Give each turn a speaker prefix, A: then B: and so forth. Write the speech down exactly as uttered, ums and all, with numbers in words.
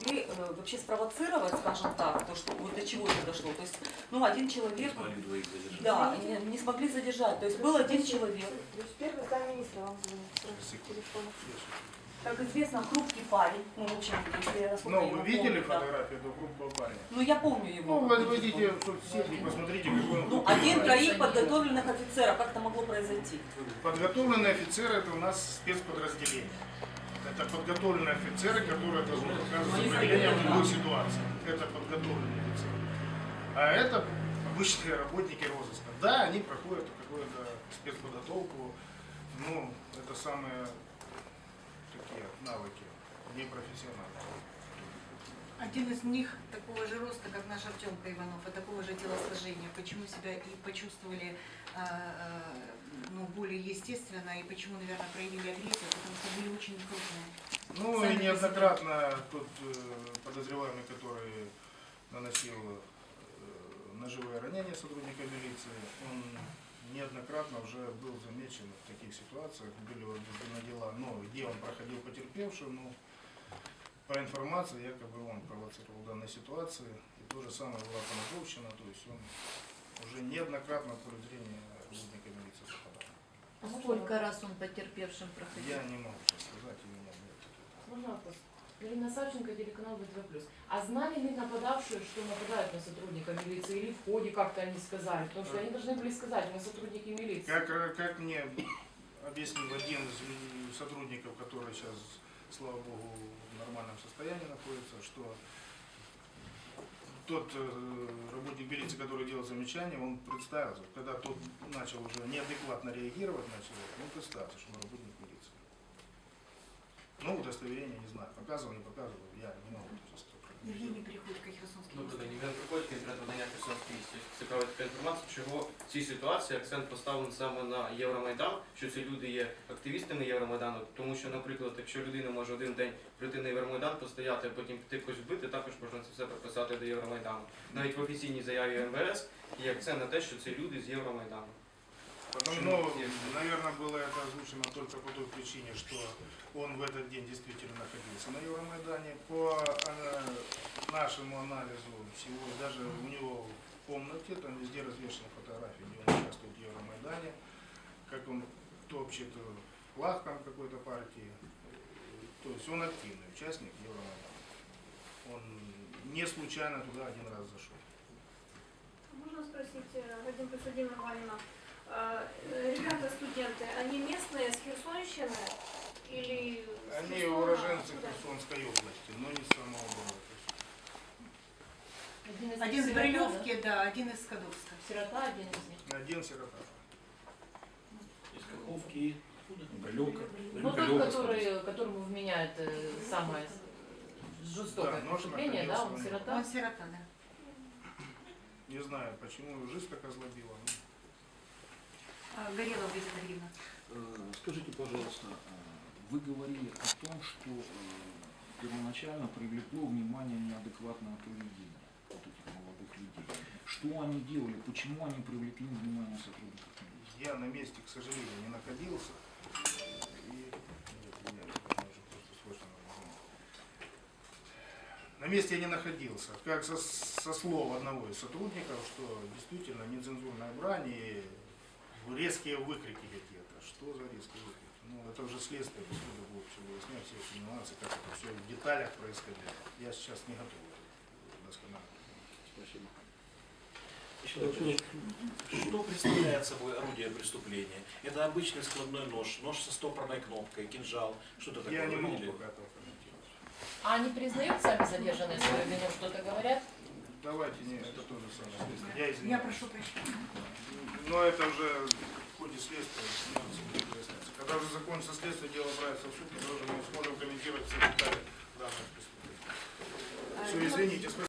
A: смогли э, вообще спровоцировать, скажем так, то, что вот до чего это дошло. То есть, ну, один человек, да, не, не смогли задержать. То есть был один человек.
B: То есть первый замминистра вам звонит с телефона.
A: Как известно, хрупкий парень. Ну, в общем, если я
C: Ну, вы видели
A: помню, да.
C: фотографию этого хрупкого парня?
A: Ну, я помню его.
C: Ну, вы войдите в соцсети и посмотрите, какой он.
A: Ну, один троих подготовленных офицеров. Как это могло произойти?
C: Подготовленные офицеры — это у нас спецподразделение. Это подготовленные офицеры, которые должны показывать сопротивление в любой ситуации. Это подготовленные офицеры. А это обычные работники розыска. Да, они проходят какую-то спецподготовку. Ну, это самые такие навыки, непрофессиональные.
D: Один из них такого же роста, как наш Артемка Иванов, и такого же телосложения. Почему себя и почувствовали э, э, ну, более естественно, и почему, наверное, проявили агрессию, потому что были очень крупные.
C: Ну,
D: Сами
C: и неоднократно тот э, подозреваемый, который наносил э, ножевые ранения сотрудника милиции, он неоднократно уже был замечен в таких ситуациях, были возбуждены дела, но где он проходил потерпевшим, ну, по информации, якобы он провоцировал данной ситуации, и то же самое была поножовщина, то есть он уже неоднократно в поле зрения работника милиции попадал.
E: А сколько раз он потерпевшим проходил?
C: Я не могу сейчас сказать, у меня нет.
F: Можно вопрос? Ирина Савченко, телеканал вэ тэ вэ плюс. А знали ли нападавшие, что нападают на сотрудника милиции, или в ходе как-то они сказали? Потому что они должны были сказать, мы сотрудники милиции.
C: Как, как мне объяснил один из сотрудников, который сейчас, слава богу, в нормальном состоянии находится, что тот э, работник милиции, который делал замечание, он представился. Когда тот начал уже неадекватно реагировать на человека, он представился, что он работник милиции. Ну, удостоверение не знаю, показывал, не показывал, я не могу сейчас.
D: Евгений приходить к Херсонській
G: Ну,
D: місті.
G: тоді він приходить конкретно надання Херсонській місті. Цікава така інформація, чого в цій ситуації акцент поставлений саме на Євромайдан, що ці люди є активістами Євромайдану, тому що, наприклад, якщо людина може один день прийти на Євромайдан, постояти, а потім піти когось вбити, також можна це все приписати до Євромайдану. Навіть в офіційній заяві ем ве ес є акцент на те, що це люди з Євромайдану.
C: Потому, ну, наверное, было это озвучено только по той причине, что он в этот день действительно находился на Евромайдане. По э, нашему анализу всего, даже у него в комнате, там везде развешаны фотографии, где он участвует в Евромайдане, как он топчет флаг там какой-то партии. То есть он активный участник Евромайдана. Он не случайно туда один раз зашел.
B: Можно спросить, Вадим Подсудимый Валина, ребята студенты, они местные с Херсонщины или...
C: Они уроженцы Херсонской области, но не с самого города.
F: Один из,
D: Один из
F: сирота,
D: Брилевки, да, один из Скадовска.
F: да? Сирота, один из них.
C: Один сирота.
H: Из Каховки, Брилевка.
F: Ну, тот, который, которому вменяют э, самое жестокое
C: Да, нож
F: преступление, да, он
C: находился,
F: сирота.
D: Он сирота, да.
C: Не знаю, почему жизнь так озлобила.
D: А, Горелова Лиза Андреевна.
H: Э, Скажите, пожалуйста, э, вы говорили о том, что э, первоначально привлекло внимание неадекватное поведение вот этих молодых людей. Что они делали, почему они привлекли внимание сотрудников милиции?
C: Я на месте, к сожалению, не находился. И... Нет, я уже просто слышно. На месте я не находился. Как со, со слов одного из сотрудников, что действительно нецензурная брань и резкие выкрики какие-то. Что за резкие выкрики? Ну, это уже следствие, поскольку будет все выяснять, все эти нюансы, как это все в деталях происходило. Я сейчас не готов досконально.
H: Спасибо.
I: Что представляет собой орудие преступления? Это обычный складной нож, нож со стопорной кнопкой, кинжал, что-то такое.
C: Я не могу
I: Или...
C: пока этого комментировать.
F: А они признают сами задержанные свою вину, что-то говорят?
C: Давайте, не, это тоже самое. Я
D: Я
C: извиняюсь.
D: прошу прощения.
C: Но это уже в ходе следствия. Когда уже закончится следствие, дело отправится в суд, мы уже не сможем комментировать все детали данных преступлений. Все, извините.